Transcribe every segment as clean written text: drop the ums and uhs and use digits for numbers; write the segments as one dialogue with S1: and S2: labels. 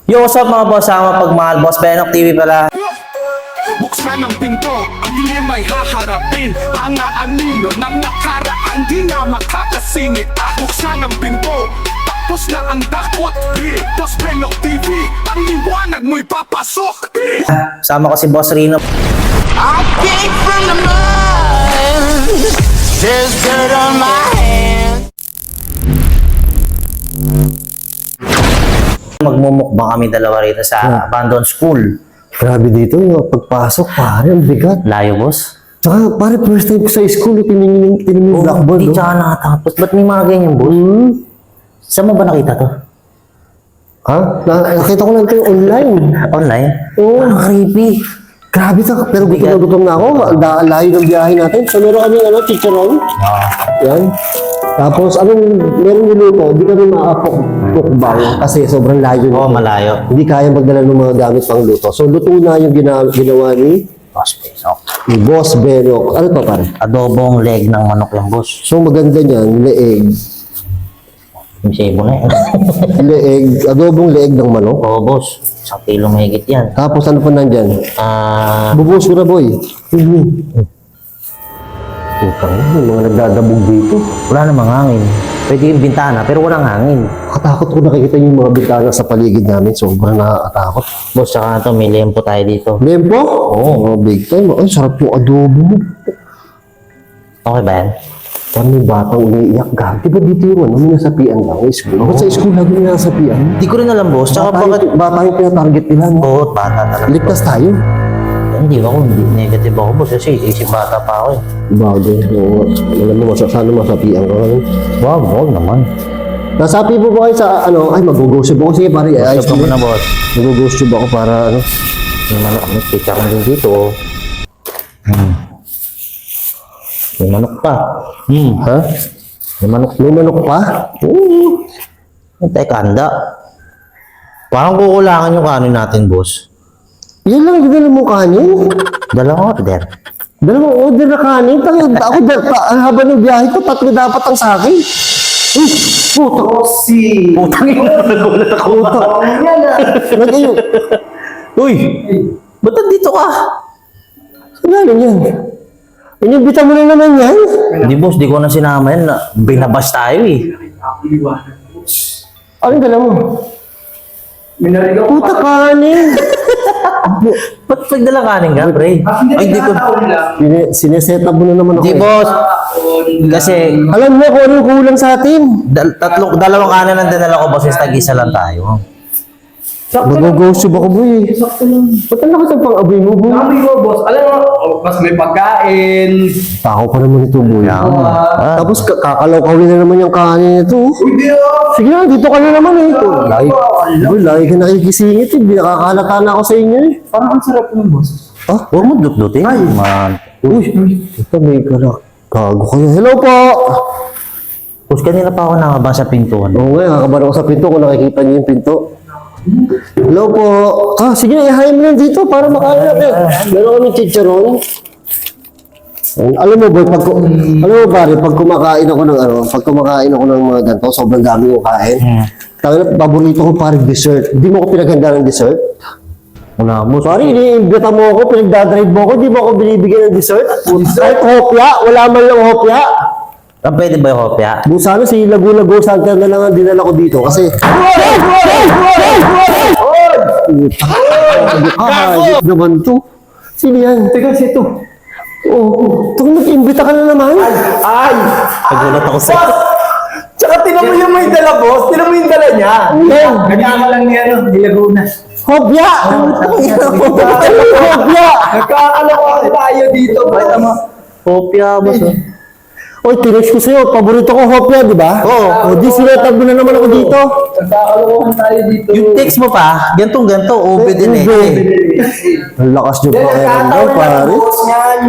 S1: Yo, what's up mga boss? Sama pagmahal. Boss Benok TV pala.
S2: Buksan ang pinto, ang limay haharapin. Ang aanino ng nakaraan, di na makakasingit. Buksan ang pinto, tapos na ang dakot. Boss Benok TV, ang liwanag mo'y papasok.
S1: Sama ko si Boss Rino.
S3: I came from the mud. There's dirt on my hands.
S1: Magmumukbang kami dalawa rito sa abandoned school.
S4: Grabe dito, yung pagpasok, pare, ang bigat.
S1: Layo, boss?
S4: Tsaka, pare, first time ko sa school, tiningin yung blackboard.
S1: Hindi tsaka nakatapos. Ba't may mga ganyan, boss? Saan mo ba nakita to?
S4: Ha? Nakita ko lang ito yung online.
S1: Online?
S4: Oo.
S1: Parang creepy.
S4: Grabe ta, pero gutom na ako. Ang layo ng biyahe natin. So, meron kami, chicharon. Yan. Tapos, meron niluto, hindi kami makapukbang kasi sobrang layo.
S1: Oo, malayo.
S4: Hindi kaya magdala ng mga gamit pang luto. So, luto na yung ginawa ni
S1: Boss Benok.
S4: Boss Benok. Ano to, pare?
S1: Adobong leg ng manok yung boss.
S4: So, maganda niyan, leeg.
S1: Yung sebo na yan.
S4: Leeg, adobong leeg ng manok.
S1: Oo, boss. 1 kilo mahigit yan.
S4: Tapos ano pa nandyan? Bubos ko na, boy. Putang ina, yung mga nagdadabog dito.
S1: Wala namang hangin. Pwede yung bintana, pero walang hangin.
S4: Katakot ko nakikita yung mga bintana sa paligid namin. Sobrang nakakatakot.
S1: Boss, tsaka ito, may lempo tayo dito.
S4: Lempo? Oo, big time. Ay, sarap yung adobo mo.
S1: Okay ba yan?
S4: Parang may batang umiiyak. Di ba dito yung may nasapian lang? School. Bakit sa school lagi may nasapian?
S1: Hindi ko rin alam, boss. Tsaka bakit...
S4: Bata yung pinatarget nila. No?
S1: Oo, bata talaga.
S4: Ligtas tayo.
S1: Hindi ako, hindi negative ako, boss. Kasi isip bata pa ako eh.
S4: Bago. Alam mo, sana masapian ka.
S1: Wag naman.
S4: Nasapi po ba kayo sa ay mag-go-gossip ako. Sige pare, ayos
S1: Gusto
S4: ko
S1: mo na, boss.
S4: Mag-go-gossip ako para
S1: May manok. May picture ko din dito. May manok pa.
S4: Ha? May manok pa?
S1: Oo. Teka, handa. Parang kukulangan yung kanin natin, boss.
S4: Yan lang, dinala mo kanin.
S1: Dalawang order.
S4: Dalawang order na kanin. Ako, haba ng biyahe ko, 3 dapat ang sa akin. Uy, puto.
S1: Putang ina, nagulat ako.
S4: Nag-iyo.
S1: Uy, ba't nandito ka?
S4: Saan galing yan? Inibita mo na naman yan?
S1: Hindi, boss, di ko na sinama yan. Binabas tayo eh.
S4: Anong dala mo? Puta kanin.
S1: Ba't nagdala kanin ka, pre? Ay, di ko.
S4: Sineset up mo na naman ako.
S1: Di, boss. Kasi,
S4: Alam mo kung anong kulang sa atin.
S1: dalawang kanin ang dinala ko, boss. Is tag-isa lang tayo.
S4: Mag-go-gossip ako, boy. Sakto lang. Ba't ang lakas ang pang-aboy mo, boy?
S5: Sabi ko, boss, alam mo, mas may pagkain.
S4: Tao pa naman ito, boy. Tapos kakalawkawin na naman yung kanin nito.
S5: Hindi ah.
S4: Sige na, dito ka na naman eh. Boy, lagi ka nakikisingit eh. Binakakalata na ako sa inyo eh.
S5: Parang ang sarap ng boss.
S1: Huwag mo dut-dutin. Man.
S4: Uy, ito may kago kayo. Hello po!
S1: Boss, kanina pa ako nakabang sa pintuan.
S4: Oo nga, nakakabar ako sa pinto kung nakikita niyo yung pinto. Hello po! Sige na, ihayin mo lang dito para makain natin. Meron kami chicharon. Alam mo boy, pag kumakain ako ng mga ganito, sobrang dami kong kain. Tangina, paborito ko parang dessert. Hindi mo ko pinaghanda ng dessert?
S1: Wala mo.
S4: Sorry, iniimbita mo ako, pinagdadrive mo ako, di mo ako binibigyan ng dessert? Kahit hopya, wala man lang hopya.
S1: Pwede ba yung hopya?
S4: Kung sana si Lagu-Lagu Santa na lang ang dinala ko dito kasi... Hayop naman to. Sino yan?
S5: Teka, sito.
S4: Oo. Ito nag-imbita ka na naman.
S5: Ay!
S1: Nagulat ako sa...
S5: Tsaka tinan mo yung may dala, boss. Tinan mo yung dala niya.
S4: Yan.
S5: Nagkaka lang niya, Dilaguna.
S4: Hopya! Hopya!
S5: Nagkakalokohan tayo dito. Basta mo.
S1: Hopya, boss.
S4: Oy, tinex ko sa'yo. Paborito ko hopya, di ba? Oo. O di sinetag mo na naman ako dito.
S5: Nagkakalokohan tayo dito.
S1: Yung text mo pa, ganto-ganto, ube din eh.
S4: Ang lakas nyo pa kayo ng pare.
S5: boss niyan.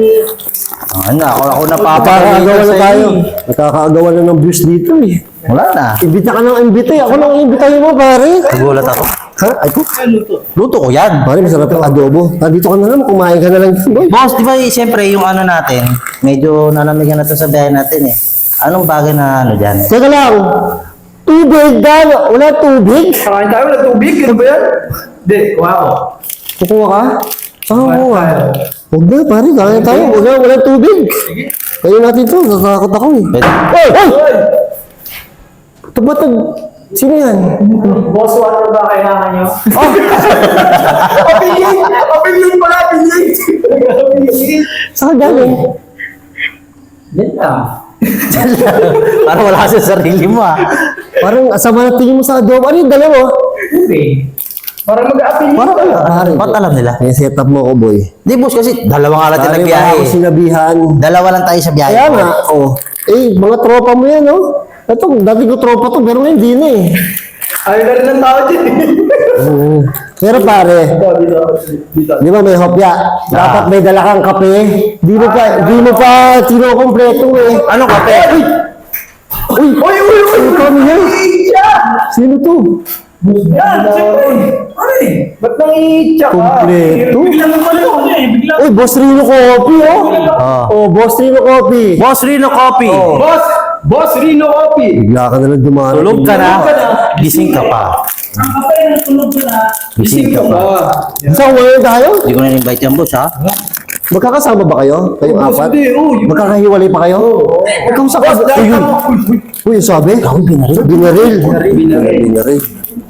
S1: Ako
S4: Nakakaagawa na tayo. Nakakaagawa na ng views dito eh.
S1: Wala na.
S4: Imbita ka ng imbita eh. Ako nang imbitahin mo, pare.
S1: Nagulat ako.
S4: Ha? Ay ko?
S1: Luto ko yan.
S4: Pare, masarap yung adobo. Nandito ka na naman, kumain ka na lang. Boy.
S1: Boss, di ba siyempre yung ano natin, medyo nanamigan na to sa biyahe natin eh. Anong bagay na ano dyan?
S4: Teka lang. Tubig, Dan! Wala tubig?
S5: Kakain tayo, wala tubig. Ano ba yan? Hindi, kuha ako.
S4: Kukuha ka? Saan
S5: Kuha
S4: kukuha?
S5: tayo.
S4: Huwag na, pare. Kaya tayo. Wala tubig. Kaya natin to. Nakakot ako eh.
S1: Pwede.
S4: Hoy! Hoy! Ito ba ito? Sino yan?
S5: Boss, water ba kailangan nyo? Opinion! Opinion pala, opinion!
S4: Saan ka galing?
S5: Yan lang.
S1: Parang wala ka sa sarili mo ah.
S4: Parang asama na tingin mo sa adobo. Ano yung dala mo?
S5: Tubig. Para mag-opinion
S4: Parang
S5: pala.
S4: pare.
S1: Ba't alam nila?
S4: May setup mo ako, boy.
S1: Di boss kasi dalawa nga lang tayo
S4: Pare, wala
S1: nagbiyahe.
S4: ako sinabihan.
S1: Dalawa lang tayo sa biyahe.
S4: Kaya nga, oh. Eh, mga tropa mo yan, oh. Ito, dati ko tropa to, pero ngayon di na eh.
S5: Ayaw na rin ng tao dyan.
S4: Oo. Pero pare,
S5: Dito.
S4: di ba may hopya? Dapat may dala kang kape. Di mo pa kinukompleto eh.
S1: Ano kape?
S4: Uy!
S5: Uy, uy, uy!
S4: Kami yan? Sino to?
S5: Yan, siyempre. Ay, ba't nang i-check ka?
S4: Kompleto?
S5: Biglang naman ako eh. Biglang.
S4: Uy, Boss Rino Coffee, oh.
S1: Oh.
S4: Oh, Boss Rino Coffee.
S1: Boss Rino Coffee.
S5: Boss Rino Coffee.
S4: Bigla ka na lang dumarating.
S1: Tulog ka na. Gising ka pa.
S5: Ang kapay na tulog ka na. Gising ka ba?
S4: Saan ngayon tayo?
S1: Hindi ko na invite yan boss ha.
S4: Magkakasama ba kayo? Kayong apat?
S5: Hindi, oh.
S4: Magkakahiwalay pa kayo? Ikaw sa
S5: Boss, dahil
S4: Uy, uy, sabi? Ako binaril. Binaril. Binaril.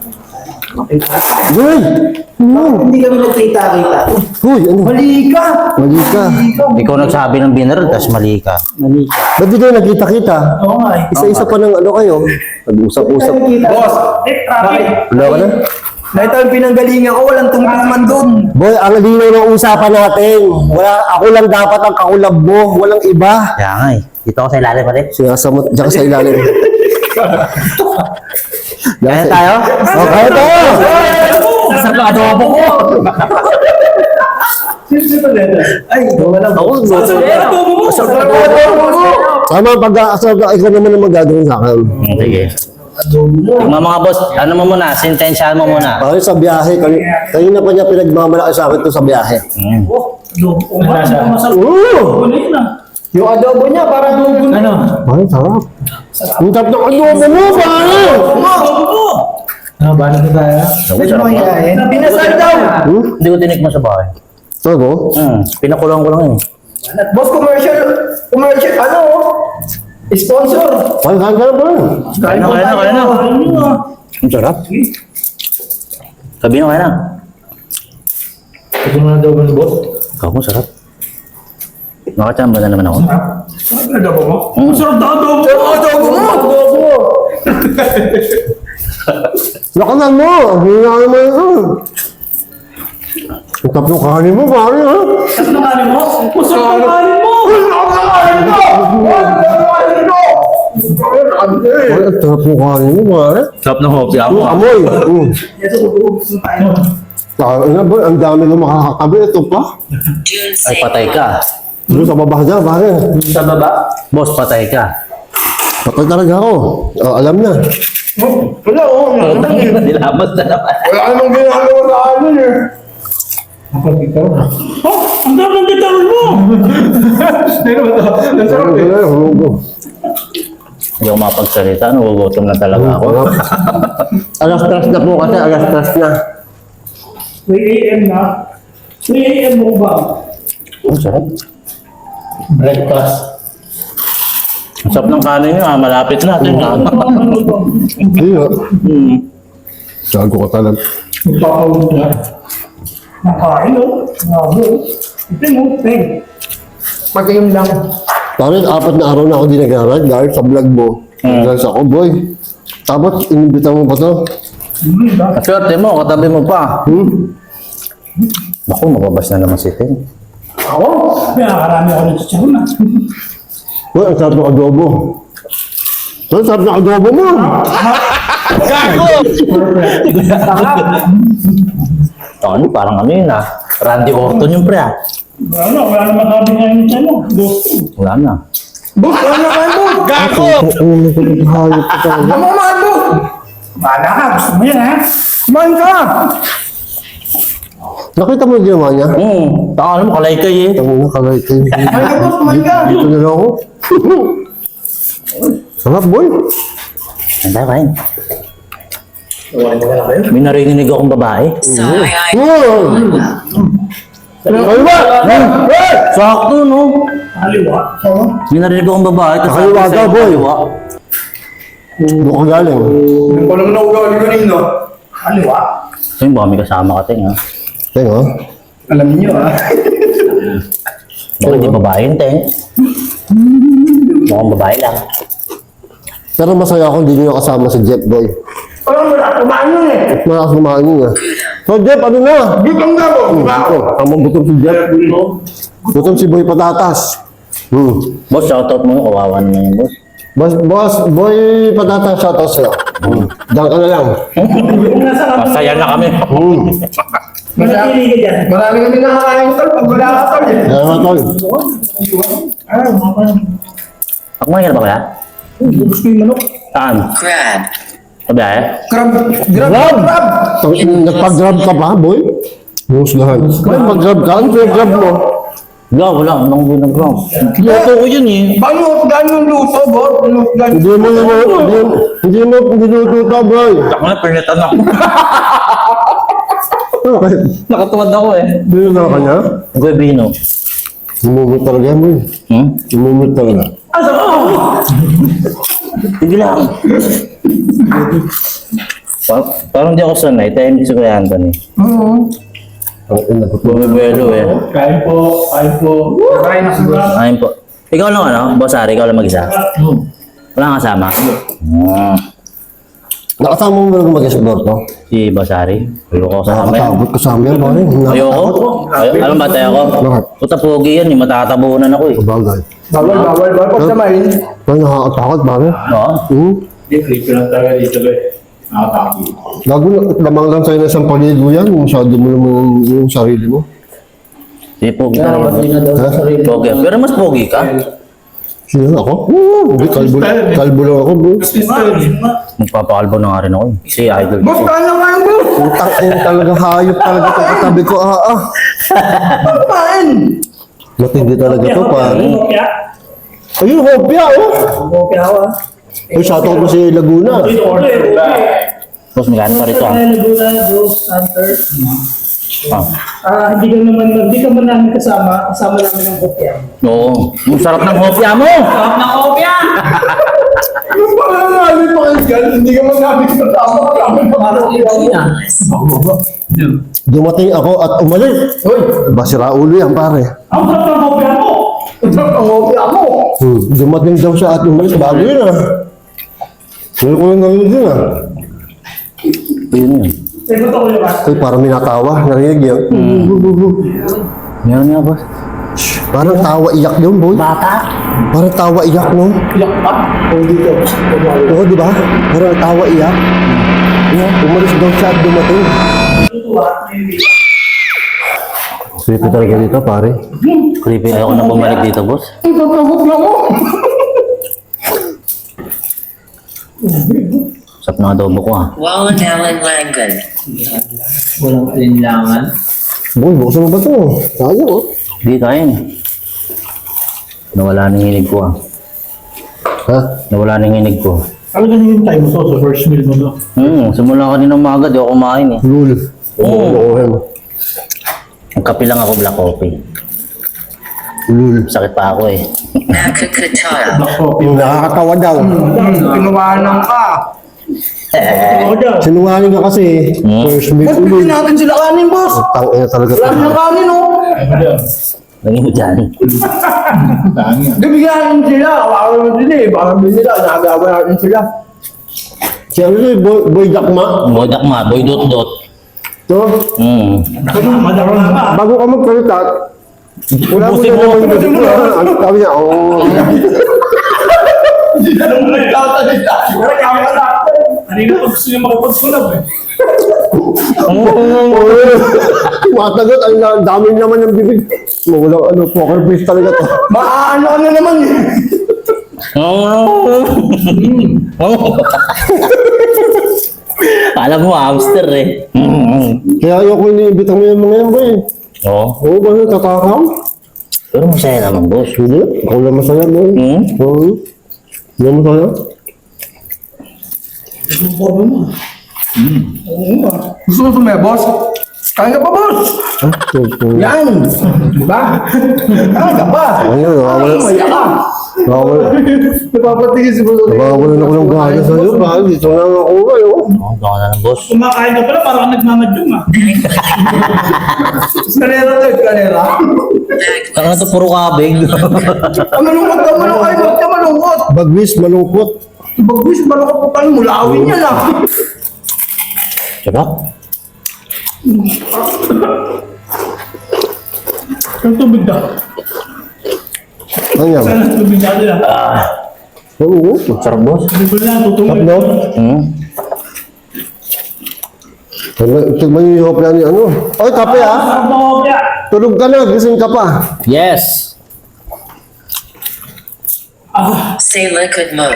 S4: Uy!
S5: Hindi kami nagkita-kita.
S4: Uy, ano?
S5: Mali ka!
S4: Mali ka.
S1: Ikaw nagsabi ng binner, tapos mali ka.
S4: Ba't di kayo nagkita-kita?
S5: Oo nga eh.
S4: Isa-isa pa ng ano kayo? Nag-usap-usap.
S5: Boss, bakit?
S4: Wala ka na?
S5: Nakita yung pinanggalingan ko, walang tungkol naman doon.
S4: Boy, ang linaw ng usapan natin. Ako lang dapat ang kaulab mo. Walang iba.
S1: Kaya nga eh. Dito ako sa ilalim pa rin.
S4: Sinasamot dyan ka sa ilalim.
S1: Kaya tayo?
S4: Oh, kaya tayo!
S1: Sa adobo ko.
S5: Ay, walang
S1: Ako,
S4: Tama, ikaw naman ang magagawin sa akin.
S1: sige. Mga boss, ano mo muna? Sintensyahan mo muna.
S4: Bakit sa biyahe? Kanina pa niya pinagmamalaki sa akin to sa biyahe. Oo!
S5: yung adobo niya, parang adobo na. Ano?
S4: Ay, sarap. Ang sarap ng adobo mo, pare!
S5: Ah, bala na tayo? Pwede mo hiyain. Pinasal daw!
S1: Hindi ko tinikman sa bahay.
S4: Sago?
S1: Pinakulang ko lang yun.
S5: Boss, commercial, ano? Sponsor.
S4: Ay, kaya ka na ba?
S1: Kaya na. Ang sarap. Sabihin mo kaya na.
S5: Ito na adobo ni boss.
S1: Ikaw mo, sarap. Nakachamba na naman ako.
S5: Ano adobo mo? Masarap na adobo! Sarap adobo mo! Adobo!
S4: Lakanan mo! Hina naman ito. Ang tap ng kanin mo, pare, ha?
S5: Masarap na kanin mo! Masarap na kanin mo! Masarap na kanin mo!
S4: Ay, ang sarap ng kanin mo, pare.
S1: Sarap ng hopi ako.
S4: Amoy!
S5: Yes, gusto tayo.
S4: Ano ba? Ang dami na makakakabi. Ito pa.
S1: Ay, patay ka.
S4: Doon sa baba dyan, pare.
S5: Sa baba?
S1: Boss, patay ka.
S4: Patay talaga ako. Oh, alam na.
S5: Wala, oo.
S1: Nilabas na naman.
S5: Wala namang ginagawa sa amin eh. Oh, ang dami ng gitaron mo! Nasarap eh.
S1: Hindi ako mapagsalita. Nagugutom na talaga ako.
S4: Alas 3 na po kasi. Alas 3 na.
S5: 3 a.m. na. 3 a.m. mo ba?
S1: Ang sarap.
S5: Breakfast.
S1: Ang sarap ng kanin nyo. Malapit na.
S4: Hindi nga. Sago ka talaga.
S5: Magpapawag na. Nakain o. Nabo. Ito mo, peg. Pag-iim lang.
S4: Pare, 4 na araw na ako di nag-aral dahil sa vlog mo. Dahil sa ako, boy. Tapos, inibita mo pa to.
S1: Swerte mo. Katabi mo pa. Naku, mababas na naman si Ten.
S5: Ako? Pinakarami ako ng chicharon na.
S4: Boy, ang sarap ng adobo. Ang sarap ng adobo mo.
S1: Ano, parang ano yun ah. Randy Orton yung pre ah.
S5: Wala naman sabi nga yung tiyan mo.
S1: Wala na.
S5: Boss, wala na kayo mo. Gago!
S4: Hayop ka talaga.
S5: Ano man mo? Bala ka, gusto mo yan ha? Kumain ka!
S4: Nakita mo yung ginawa niya?
S1: Taka ano mo, kalaykay eh.
S4: Ang nakalay kayo.
S5: Kumain ka, boss, kumain ka!
S4: Dito na lang ako. Sarap, boy.
S1: Ang kain. May narinig akong babae. Sakto, no? May narinig akong babae. tas
S4: Kaliwa
S1: sabi
S4: daw,
S1: sa'yo,
S4: boy.
S1: kaliwa.
S4: Doon ka galing.
S5: Yung pala mo na ugali kanino. Kaliwa.
S1: Ayun, baka may kasama ka, Teng, ha?
S4: Tingnan.
S5: Alam niyo ah.
S1: Bakit di babae yun, Teng? Mukhang babae lang.
S4: Pero masaya ako hindi nyo kasama si Jeff Boy.
S5: Parang wala kumain yun eh.
S4: Malakas kumain niya. So Jeff, ano na?
S5: Gutong na po.
S4: Tamang gutom si Jeff. Gutom si Boy Patatas.
S1: Boss, shoutout mo yung kawawa naman yun, boss.
S4: Boss, Boy Patatas, shoutout sa'yo. Diyan ka na lang.
S1: Masaya na kami.
S5: Marami kami nakakain tol. Pag wala ka tol eh.
S4: Kaya nga, tol.
S1: Kumain ka na ba kaya?
S5: Gusto yung manok.
S1: Saan?
S3: Crab.
S1: Sabi ay?
S5: Crab. Crab.
S4: Nagpag-grab ka ba, Boy? Husgahan. May pag-grab ka? Ano yung grab mo?
S1: Wala. Anong ginagawa? Luto ko yun eh.
S5: Paano yung luto, bot?
S4: Hindi mo niluto, Boy.
S1: Ako na, pernitan ako.
S4: Bakit?
S1: Nakatuwad ako eh.
S4: Hindi na kanya?
S1: Guebino.
S4: Umumit talaga yan, Boy. Umumit talaga.
S1: Sige lang. Parang di ako sanay. Tahimik si Kuya Anthony.
S4: Ang ina ko.
S1: Bumibelo eh.
S5: Kain po.
S1: Ayun po. Ikaw lang ano? Boss Ari, ikaw lang mag-isa? Wala kang kasama?
S4: Nakasama mo lang mag-explore to?
S1: Si Boss Ari? Ayoko kasama yan.
S4: Nakatakot ka sa amin, Boy.
S1: Ayoko? Alam ba tayo ako?
S4: Bakit?
S1: Puta pogi yan eh. Matatabunan ako eh.
S4: Bagay.
S5: Bawal. Pag samayin.
S4: Ay, nakakatakot, Boy.
S1: Oo?
S6: Hindi, creepy lang talaga dito ba eh. Nakataki.
S4: Gago na, lamang lang sa'yo na isang paligo yan. Masyado mo naman yung sarili mo.
S1: Si pogi talaga.
S4: Ha?
S1: Pogi. Pero mas pogi ka.
S4: Sino ako? Hindi, kalbo lang ako, bro.
S1: Magpapakalbo na nga rin ako eh. Si Idol.
S5: Boss, kain na kain, boss.
S4: Utang ina talaga, hayop talaga itong katabi ko.
S5: Kain.
S4: Matindi talaga to, pare. Ayun, hopya, oh. Ay, shoutout mo si Laguna.
S1: Boss, may gano'n pa rito ah.
S7: Hindi ka man namin kasama namin ng kopya.
S1: Oo. Ang sarap ng hopya mo!
S5: Yung pala namin pakinggan, hindi ka man namin kasama.
S4: Dumating ako at umalis. Uy, basira ulo yan, pare.
S7: Ang sarap ng kopya mo!
S5: Ang hopya mo.
S4: Dumating daw siya at umalis. Bago yun, ah. Pero ko yung narinig yun, ah.
S1: Yun yun.
S7: Sabi ko ko ba?
S4: Ay, parang minatawa. Narinig yun.
S1: Meron nga, boss.
S4: Parang tawa iyak yun, boy.
S1: Bata?
S4: Parang tawa iyak, no?
S5: Iyak pa. O dito.
S4: Oo, di ba? Parang tawa iyak. Umalis daw siya at dumating. Creepy talaga dito, pare.
S1: Creepy. Ayoko na bumalik dito, boss.
S5: Ang sarap ng hopya mo.
S1: Sarap ng adobo ko ah.
S3: Wallen Allen Langan.
S7: Walang alinlangan.
S4: Boy, buksan mo ba ito? Sayang, oh.
S1: Hindi tayo eh. Nawala ng hinig ko ah.
S4: Ha?
S1: Nawala ng hinig ko.
S6: Talagang yung time mo to sa first meal mo to.
S1: Simula kanina umaga, di ako kumain eh.
S4: Lul. Oo.
S1: Ang kape lang ako, black coffee.
S4: Lul.
S1: Sakit pa ako eh.
S3: Nakakatara.
S4: Nakakatawa daw.
S5: Pinuwanan ka.
S4: Sinungaling ka kasi. First meet
S5: Boss, bigyan
S4: ulit.
S5: natin sila kanin, boss.
S4: Tangina talaga to.
S5: Wala na kanin, oh.
S1: Lagi mo dyan.
S5: Bibigyan natin sila. Baka naman sila eh. Baka naman sila. Nakagawa natin sila.
S4: Si ano yun, Boy Jakma.
S1: Boy Dakma, boy dot-dot.
S4: To, bago ka magsalita, wala mo na naman yung gusto ko. Ang sabi niya, oh.
S6: Kanina pag gusto niya makapagsulab eh.
S4: Matagot, ang dami naman ng bibig. Walang ano, poker face talaga to.
S5: Maaano ka na naman eh.
S1: Alam mo, hamster eh.
S4: Kaya ayoko iniibitan mo yung mga yan, boy.
S1: Oo.
S4: Oo ba, tatakaw?
S1: Pero masaya naman, boss.
S4: Hindi, ikaw lang masaya, boy. Oo. Hindi masaya?
S5: Gusto mo sumaya, boss? Kain ka pa, boss? Yan! Diba? Kain ka pa!
S4: Ano,
S5: Maya ka! Napapatigil si boss.
S4: Nawawalan ako ng gana sa'yo. Bakit dito na ako kayo?
S1: Oh, baka na lang, boss.
S7: Kumakain ka pala, parang nagmamadyong ah.
S5: Kanera to, kanera.
S1: Saka na to, puro kabig.
S5: Malungkot ka, malungkot. Ba't ka malungkot?
S4: Bagwis, malungkot.
S5: Bagwis, malungkot pa tayo. Mulawin niya lang.
S1: Sarap.
S7: Ang tubig daw.
S4: Ano yan?
S7: Sana tubig natin ah.
S4: Oo.
S1: Sarap, boss.
S7: Tubig lang, tutulog.
S4: No?
S1: Hmm.
S4: Tignan niyo yung hopla ni ano. Oy, kape ah.
S7: Sarap na kopya.
S4: Tulog ka na, gising ka pa.
S1: Yes.
S8: Say liquid mode.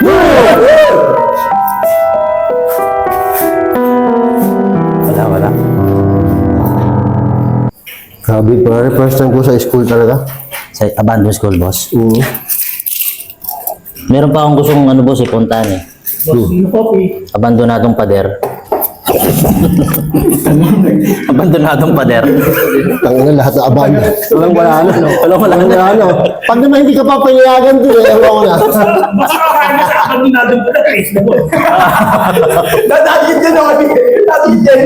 S1: Wala.
S4: Grabe, pare, first time ko sa school talaga.
S1: Sa abandoned school, boss.
S4: Oo.
S1: Meron pa akong gustong ano, boss, ipuntahan eh.
S7: Boss, yung coffee.
S1: Abandonadong pader. Abandonadong pader.
S4: Tangina lahat na aban. Wala na.
S1: Walang
S4: Wala na. Pag naman hindi ka pa pinayagan doon, ewan ko na.
S7: Basta kakain ka sa akin, dinadong ko na guys.
S5: Dadagit yan ako. Dadagit yan.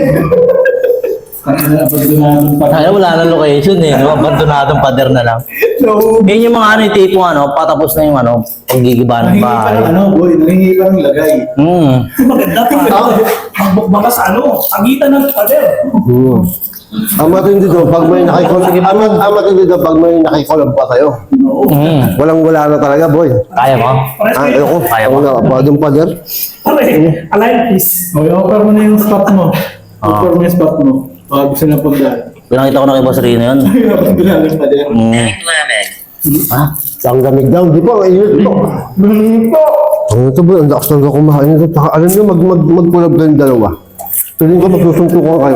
S1: Ay, wala na location eh, no? Abandonadong pader na lang.
S5: No.
S1: Yan yung mga ano, yung tipong ano, patapos na yung ano, pagigiba ng bahay.
S5: boy. Nahingi ka ng lagay.
S7: Maganda pa. Magbukbaka sa ano, pagitan ng pader.
S4: Oo. Ang matindi doon, pag may nakikolab, ang matindi doon, pag may nakikolab pa sa'yo. Walang-wala na talaga, boy.
S1: Kaya mo?
S4: Ayoko.
S1: Kaya mo?
S4: Ako na, padong pader.
S7: Align please.
S6: Okay, offer mo na yung spot mo. Offer mo yung spot mo. Baka gusto na punta.
S1: Pinakita ko na kay Boss Rino yun.
S6: Abandonadong pader.
S8: Time limit.
S1: Ha?
S4: Ang lamig daw, di ba? Ang init to. Ang ito ba? Ang lakas talaga kumain ito. Tsaka alam niyo, mag-collab kayong dalawa. Piling ko magsusuntukan kayo.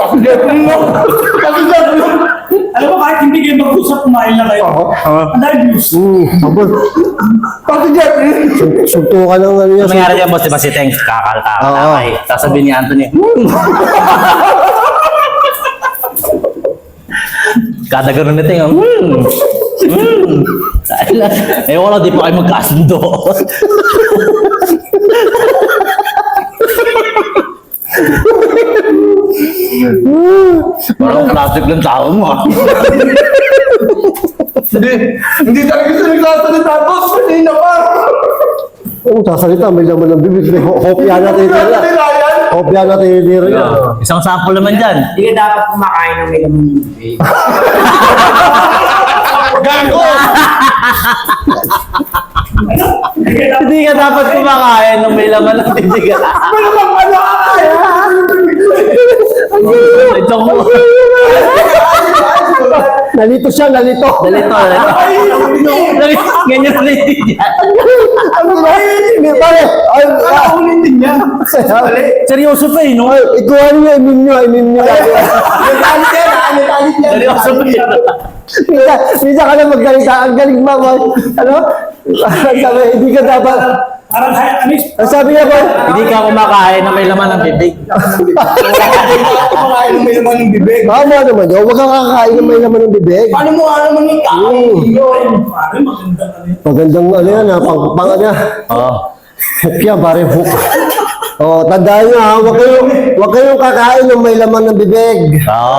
S7: Alam mo, kahit hindi kayo mag-usap, kumain na kayo. Ang dahil views.
S4: Abot. Suntukan ng ano yan.
S1: Ano nangyari dyan, boss? Diba si Teng kakal-kakal? Sasabihin ni Anthony, kada ganun na Teng, Dahil lang, ewan ko lang, di pa kayo magkasundo. Parang plastic lang tao mo.
S5: Hindi talaga siya nagsasalita, boss. Kanina pa.
S4: Ang sasalita, may laman ng bibig. Hopya natin tira. Hopya natin tira yan.
S1: Isang sample naman dyan.
S7: Hindi ka dapat kumakain ng may laman ng bibig.
S5: Gago!
S1: Hindi ka dapat kumakain ng may laman ng bibig.
S5: Ano bang ano ka?
S1: Joke mo.
S4: Nalito siya, nalito.
S1: Dalito. Ganyan na naiintindihan.
S4: Ano ba? Hindi, pare. Ay,
S5: Ulitin niya.
S1: Seryoso pa eh, no?
S4: ikuha niyo, imin niyo.
S5: Nagalit yan, nagalit yan.
S1: Seryoso pa eh.
S4: Minsan ka na maggalita. Ang galing ba, boy? Ano? Sabi, hindi ka dapat.
S7: Parang
S4: Ang sabi niya, boy,
S1: Hindi ka kumakain ng may laman ng bibig.
S5: Kumakain ng may laman ng bibig.
S4: tama naman yun. Huwag kang kakain ng may laman ng bibig.
S5: Paano mo nga naman yung kain?
S7: Parang maganda ka rin.
S4: Magandang ano yan, ha? Pang ano yan.
S1: Oo.
S4: Hopya, pare, hook. Oh, tandaan nyo, ha? Huwag kayong kakain ng may laman ng bibig.
S1: Oo.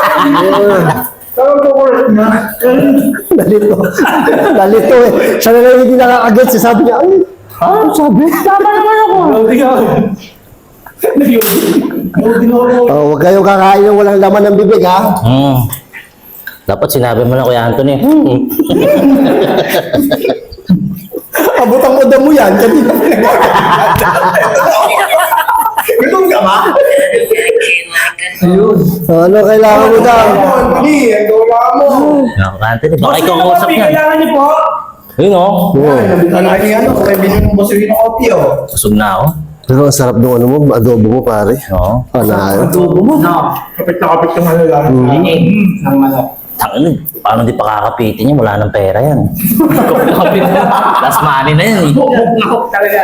S4: Nalito eh. Siya na lang hindi nakakaget. Sabi niya, ay, ano sabi? Tama naman ako. Oh, huwag kayong kakain ng walang laman ng bibig, ha?
S1: Dapat sinabi mo na Kuya Anthony.
S5: Abutang mo mo yan. Gutom ka ba?
S4: Ano kailangan mo daw?
S5: Hindi, ang gawa mo.
S1: Kuya Anthony, baka ikaw ang
S7: Boss,
S1: usap
S7: yung
S1: yan.
S7: kailangan niyo po.
S1: Yun o.
S5: Ano yan? Kung may bilhin mo boss yung kopi, oh.
S1: Kusog na ako.
S4: Pero ang sarap ng ano mo, adobo mo, pare.
S1: Oo.
S4: Ano?
S7: Kapit na kapit yung ano lang. Ng manok.
S1: Tangin, paano di pakakapitin niya? Wala nang pera yan. Last money na yan eh.
S7: Hook talaga.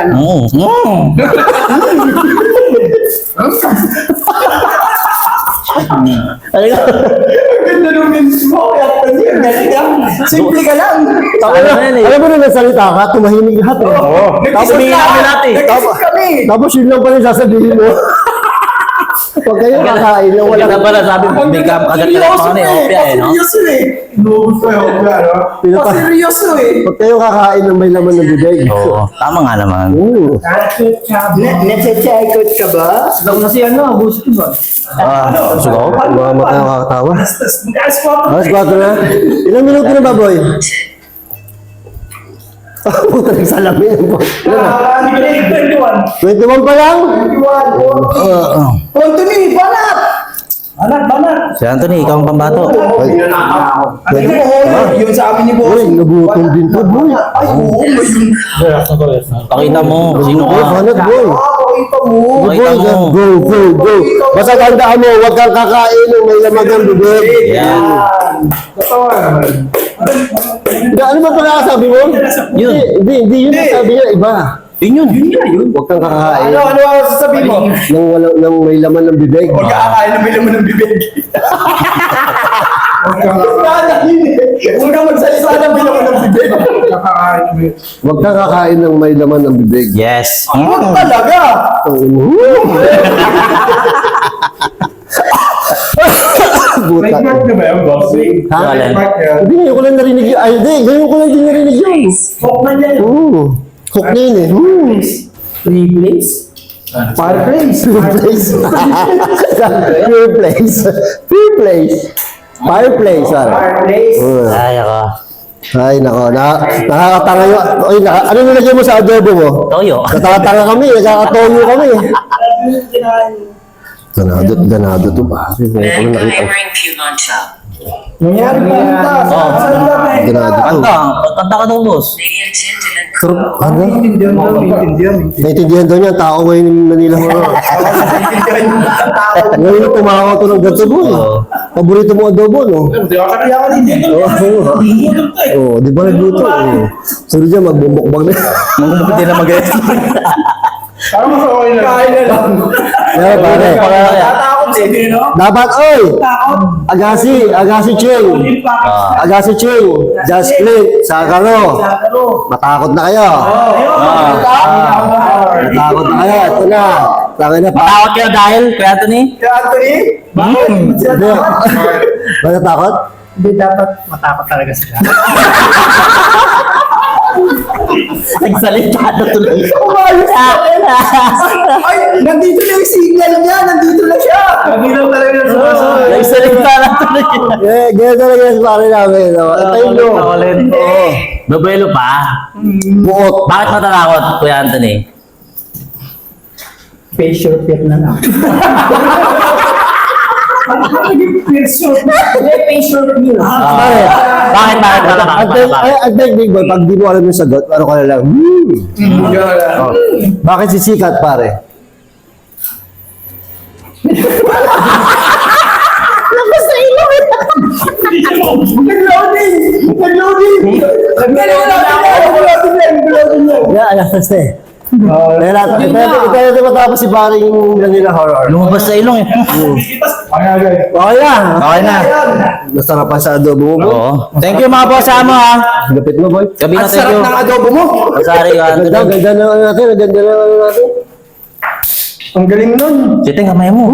S1: Ano ka?
S5: Ganda nung memes mo. Kaya pa niya. Galing lang. Simple ka lang.
S4: Alam mo na nagsalita ka, tumahimik lahat eh.
S1: Tapos humingi kami natin.
S5: Nag-isip kami.
S4: Tapos yun lang pala yung sasabihin mo. Huwag kayo kakain na wala.
S1: Wala pala sabi, hindi ka agad-agad pa kami. Opya eh, no?
S5: Seryoso eh.
S6: Inuubos ko yung ano.
S5: Seryoso eh.
S4: Huwag kayo kakain ng may laman ng bibig.
S1: Oo, tama nga naman.
S5: Nasa-checkot ka ba?
S7: Daw na si ano, gusto ba?
S1: Sugaw?
S4: Mama tayo kakatawa.
S7: Mag-asquat.
S4: Alas 4 na. Ilang minuto na ba, boy? Puta, nagsalamin po.
S7: Hindi ko 21.
S4: 21 pa lang?
S5: Anthony, banat!
S7: Banat.
S1: Si Anthony, ikaw ang pambato.
S5: Pwede mo, yun sa amin ni Boss.
S4: Uy, nagutom din to, boy.
S5: Ay, oo, yun.
S1: Pakita mo, sino
S4: Boy,
S1: ka.
S4: banat, boy.
S5: Pakita mo.
S4: Boy,
S1: Pakita mo.
S4: go, go, go. Basta tandaan mo, huwag kang kakain ng may laman ng bibig.
S1: Yan.
S4: Hindi, ano ba pagkakasabi mo?
S1: Yun.
S4: Hindi yun ang sabi niya, iba.
S1: Yun.
S4: Huwag kang kakain
S5: Ano ang sasabihin mo?
S4: ng may laman ng bibig.
S5: Huwag ka kakain ng bilaman ng bibig. Huwag ka magsalita ng bilaman ng bibig.
S4: Huwag kang kakain ng may laman ng bibig.
S1: Yes.
S5: Huwag talaga.
S6: May
S4: Buta.
S6: mark na ba yung boss?
S4: Ha?
S1: Wala.
S6: Mark yan.
S4: Hindi, ngayon ko lang narinig yun. Ay, hindi, ngayon ko lang din narinig yun.
S7: Hook na niya.
S4: Hook na yun eh.
S7: Three place.
S5: Fireplace.
S4: Pure place. Pure place. Pure place. Fireplace, pare.
S5: Fireplace.
S1: Ay, ako.
S4: Ay, nako. Nakakatanga yun. Oy, ano nilagay mo sa adobo mo?
S1: Toyo.
S4: Nakakatanga kami. Nakakatoyo kami.
S7: Kinain.
S4: Ganado to ba? Hindi ko
S8: Mango
S4: nakita.
S8: Herring Pumancha.
S5: Nangyari pa ang taas.
S4: Ganado to.
S1: Kanta ka daw, boss.
S8: Naiintindihan
S4: Pero, ano?
S5: Intindihan mo, intindihan.
S4: Naintindihan daw niya, tao ngayon ng Manila mo. Ngayon tumawa to ng ganito mo eh. Paborito mo adobo, no?
S5: Kaya ka din eh.
S4: Oo, di ba nagluto? Sorry dyan, magbubukbang na.
S1: Hindi na mag-rest.
S6: Parang mas okay lang.
S5: Kain na lang.
S4: Kaya pare,
S5: Tatakot eh.
S4: dapat, oy!
S7: Takot.
S4: Agasi Cheng!
S7: Yung package.
S4: Agasi Cheng! Just click! Sakaro!
S7: Sakaro.
S4: Matakot na kayo! Matakot na kayo! Ito na! Tangin na pa!
S1: Tawag kayo dahil, Kuya Anthony?
S5: Kaya Anthony,
S4: Hindi! Ba natakot?
S7: Hindi dapat matakot talaga sila.
S1: Nagsalita na tuloy.
S5: umayos ka. Ay, nandito na yung signal niya. Nandito na siya.
S7: Kabilang talaga sa
S1: Nagsalita na tuloy.
S4: Ganyan talaga yung pare namin. no? Ito yung no. Oo.
S1: Babuelo pa.
S4: Buot.
S1: Bakit matatakot, Kuya Anthony?
S7: facial fit na lang. Facial fit nyo.
S4: Pare,
S1: Bakit
S4: Ang big boy, pag di mo alam yung sagot, ano ka na lang, Oh. Bakit si Sikat, pare?
S5: Nag-loading.
S4: Yeah, alas na eh. Ito matapos si pare yung Manila Horror.
S1: Lumabas sa ilong eh.
S4: Okay na.
S1: Okay na.
S4: Nasarapan sa adobo mo, boy.
S1: Oo. Thank you mga boss mo ha.
S4: Lapit mo, boy.
S1: Gabi na
S5: Ang sarap
S1: thank you.
S5: ng adobo mo.
S1: Sorry, Kuya
S4: Ganda,
S1: Anthony.
S4: ganda na ano natin, ganda na ano natin.
S5: Ang galing nun.
S1: Sitting kamay mo.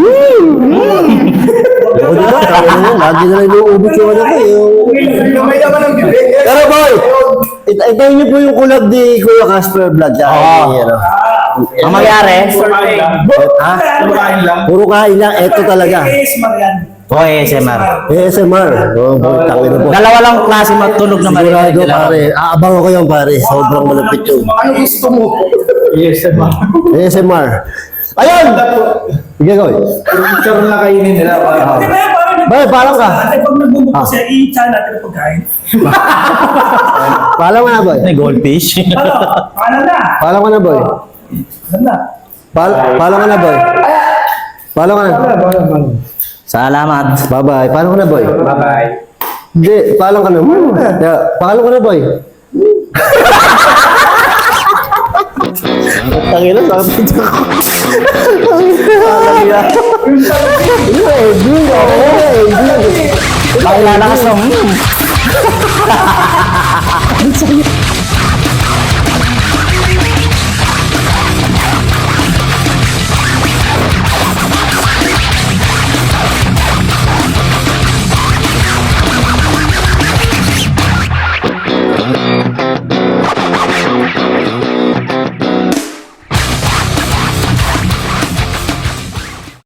S4: Ako dito, lagi na lang inuubos yung ano ko.
S5: Yung may laman ng bibig.
S4: Pero boy, ito niyo po yung kulab ni Kuya Casper Vlog.
S1: Oo. Ang mangyari,
S4: Ha?
S6: Kumakain lang.
S4: Puro kain lang, eto talaga.
S1: o ASMR.
S4: ASMR. Oh, boy, tangin na po.
S1: Dalawa lang klase matulog na
S4: Sigurado,
S1: marinig.
S4: pare. Aabang ako yan, pare. Sobrang malapit yun.
S5: Ano gusto mo?
S6: Yes, diba?
S4: ASMR. Ayun! Sige, Goy.
S6: Picture na kainin nila.
S4: Bay, parang ka.
S7: Ate, pag nagbubukas siya, i-chan natin ang pagkain.
S4: Palang ka na, boy.
S1: May goldfish.
S7: Ano? Paano na?
S4: Palang ka na, boy.
S7: Ganda.
S4: Palang ka na, boy. Palang ka na.
S1: Salamat.
S4: Bye-bye. Palang ka na, boy.
S6: Bye-bye.
S4: Hindi, paalam ka na. Paalam ka na, boy. Tangina, sakit ako. Ay, lalakas ng